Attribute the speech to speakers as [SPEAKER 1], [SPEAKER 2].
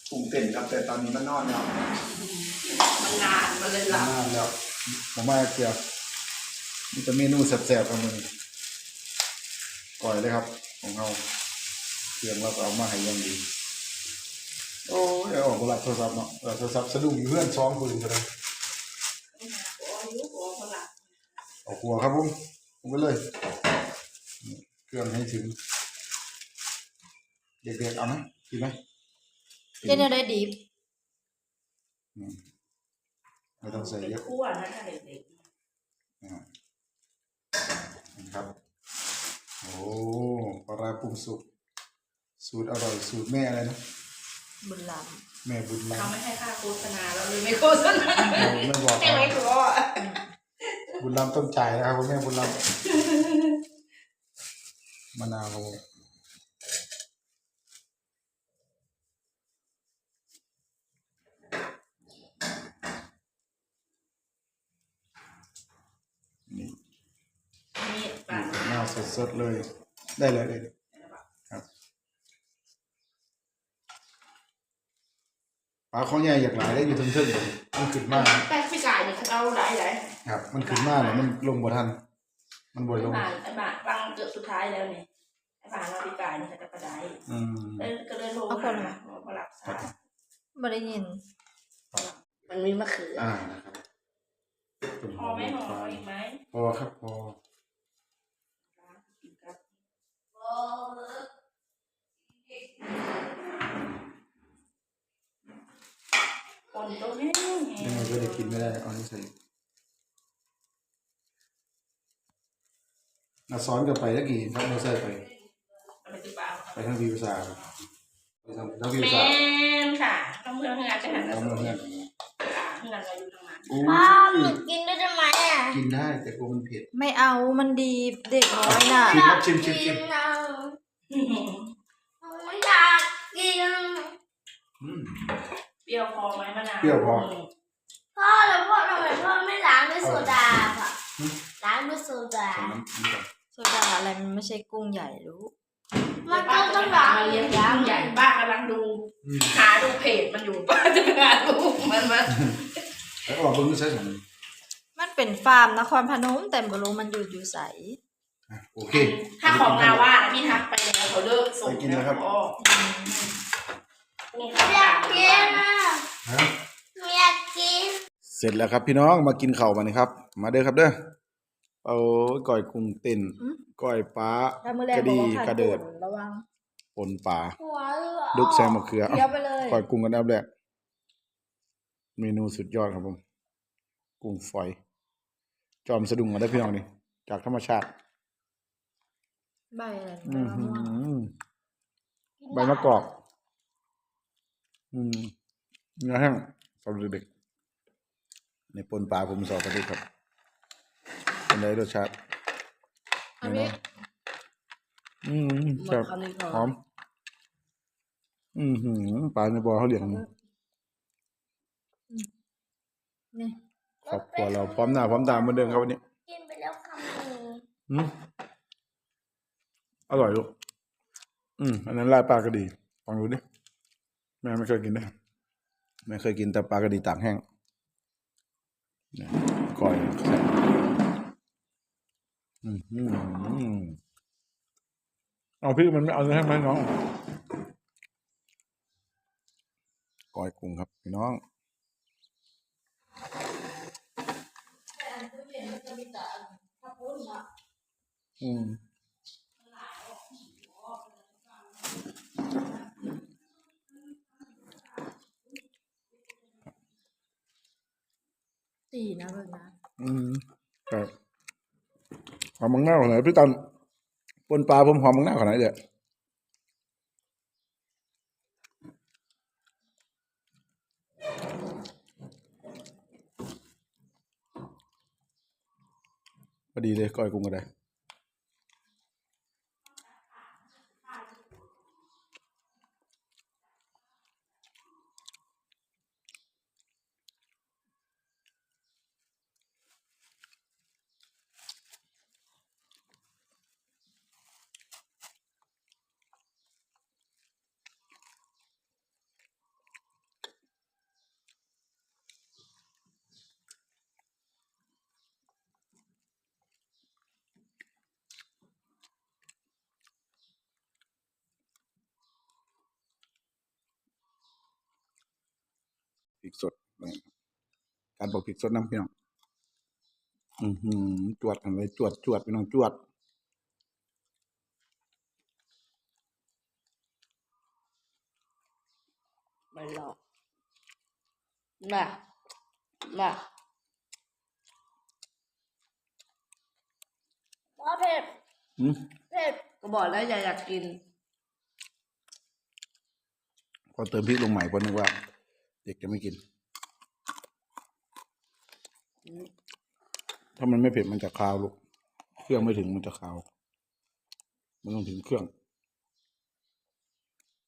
[SPEAKER 1] ปรุงเต้นครับแต่ตอนนี้มันนอนแล้ว
[SPEAKER 2] มันนานมันเลยหลับ
[SPEAKER 1] นานแล้วผมมาเกี่ยวนี่จะเมนูแซ่บๆครับมึงก่อยเลยครับของเราเครื่องเราเอามาให้ยังดีโอ้ยออกรับโทรศัพท์เนาะโทรศัพท์สะดุ้งอยู่เพื่อนซ้อมปืนกันเลยเอาหัวครับผมไปเลยเครื่องให้ถึงเด็กๆเอาไหมกินไหม
[SPEAKER 3] เล่นอะไรดิบ
[SPEAKER 1] ไม่ต้องใส่เยอะ
[SPEAKER 2] คั่วนะถ้าเด็ก
[SPEAKER 1] ๆครับโอ้ปลาร้าปรุงสุกสูตรอร่อยสูตรแม่อะไรนะ
[SPEAKER 3] บุญล
[SPEAKER 1] แม่บุญ
[SPEAKER 2] เขา
[SPEAKER 1] ล้ำ
[SPEAKER 2] ไม่ให้ค่าโฆษณาเราเลยไม่โฆษณา
[SPEAKER 1] ไม่บอก
[SPEAKER 2] ไม่ขอ
[SPEAKER 1] บุญล้ำต้องจ่ายนะครับคุณแม่บุญล้ำมะนาวนี่หน้าสดๆเลยได้เลยครับปลาข้อใหญ่อยากหลายได้อยู่ทึ่งๆเลยมันขึ้นมาก
[SPEAKER 2] แป้งพี่กายเนี่ยเขาเอาหลาย
[SPEAKER 1] ครับมันขึ้นมากเลยมันลงบ่ทันมันบ่ลง
[SPEAKER 2] ไอ้บ้านฟังเกือบสุดท้ายแล้วเนี่ยไอ้บ้านเราพี่กายเนี่ยเขาจะกระไดก็เลยโทรมาหลับสาย
[SPEAKER 3] ไม่ได้ยิน
[SPEAKER 2] มันมีมะเขือ
[SPEAKER 1] นะครับ
[SPEAKER 2] พอไหมพออีกไหม
[SPEAKER 1] พอครับพอ
[SPEAKER 2] คนตัวนี้
[SPEAKER 1] ยังไงก็ได้กินไม่ได้เอานี่ใส่ซ้อนกันไปตะกี้ครับเราใส่ไปทางวิวซาไปทางวิวซา
[SPEAKER 2] แม่ค่ะต้องเพื่อนงานจะหันแล้วเพื่อนเราอยู่ทางนั้น
[SPEAKER 3] พ่อหนูกินได้ไหม
[SPEAKER 1] กินได้แต่กลัวมันเผ็ด
[SPEAKER 3] ไม่เอามันดีเด็กน้อยน่ะ
[SPEAKER 1] ชิม
[SPEAKER 3] ไม่อยากกิน
[SPEAKER 2] เปรี้ยวพอไหมมะนาว
[SPEAKER 1] เปรี้ยวพอ
[SPEAKER 3] พ่อแล้วพ่อทำไมพ่อไม่ล้างด้วยโซดาค่ะล้างด้วยโซดาอะไรมันไม่ใช่กุ้งใหญ่รู้
[SPEAKER 2] มันต้องล้างมาเลี้ยงกุ้งใหญ่ป้ากำลังดูหาดูเพจมันอยู่ป้าจะหาดูมัน
[SPEAKER 1] แล้วออกเบิ้งใช่ไหม
[SPEAKER 3] มันเป็นฟาร์มนครพนมแต่ไม่รู้มันอยู่ใส
[SPEAKER 1] โอเค
[SPEAKER 2] ถ้าของนาว่าพี่ทักไปแล้วเขาเลิกส่ง
[SPEAKER 1] แล้วครับ
[SPEAKER 3] อยากกินอยากกิน
[SPEAKER 1] เสร็จแล้วครับพี่น้องมากินข้าวกันครับมาเด้อครับเด้อเอาก้อยกุ้งเต้นก้อยปลากระดีกระเดิดปนปลาดุกแซมมะเขือก้อยกุ้งกันอันแรกเมนูสุดยอดครับผมกุ้งฝอยจอมสะดุ้งมาได้พี่น้องนี่จากธรรมชาติ
[SPEAKER 3] ใบอะไร
[SPEAKER 1] ใบมะกอกเนื้อแห้งสำหรับเด็กในปนปลาผมสอบกระดิครับเป็นไรรสชาติแซ่บหอมปลาในบ่อเขาเลี้ยง
[SPEAKER 3] นี่
[SPEAKER 1] ครอบครัวเราพร้อมหน้าพร้อมตาเหมือนเดิมครับวันนี้
[SPEAKER 3] กินไปแล้วคำนึง
[SPEAKER 1] อร่อยลูกอันนั้นลาบปลากระดีลองดูดิแม่ไม่เคยกินนะไม่เคยกินแต่ปลากระดีตากแห้งก่อยเอาพี่มันไม่เอาเนื้อแห้งไหมน้องก่อยกุ้งครับพี่น้อง
[SPEAKER 3] สี่นะเบิร์นะ
[SPEAKER 1] ครับหอมมังหน้าขนาดพี่ตันปนปลาผมหอมมังหน้าขนาดเดียวพอดีเลยก้อยกุ้งก็ได้ริกสดการบอกพริกสดน้ำพี่น้องจวดอะไรจวดพี่น้องจวด
[SPEAKER 2] ไม่หรอกน่ะว่าเผ็ดก็บอกแล้วอยากกิน
[SPEAKER 1] พอเติมพริกลงใหม่เพราะนึกว่าเด็กจะไม่กินถ้ามันไม่เผ็ดมันจะคาวลูกเครื่องไม่ถึงมันจะคาวมันต้องถึงเครื่อง